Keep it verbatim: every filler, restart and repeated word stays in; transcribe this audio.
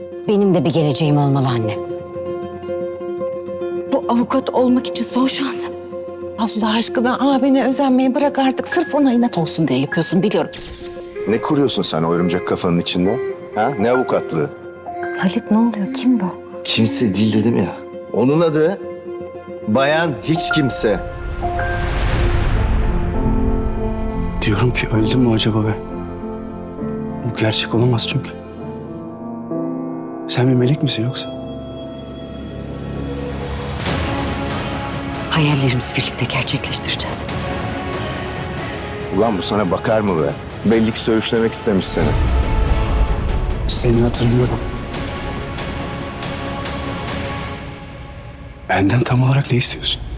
Benim de bir geleceğim olmalı anne. Bu avukat olmak için son şansım. Allah aşkına abine özenmeyi bırak artık. Sırf ona inat olsun diye yapıyorsun biliyorum. Ne kuruyorsun sen o örümcek kafanın içinde? Ha? Ne avukatlığı? Halit ne oluyor? Kim bu? Kimse değil dedim ya. Onun adı Bayan Hiç Kimse. Diyorum ki öldüm mü acaba ben? Bu gerçek olamaz çünkü. Sen bir melek misin yoksa? Hayallerimizi birlikte gerçekleştireceğiz. Ulan bu sana bakar mı be? Belli ki söğüşlemek istemiş seni. Seni hatırlıyorum. Benden tam olarak ne istiyorsun?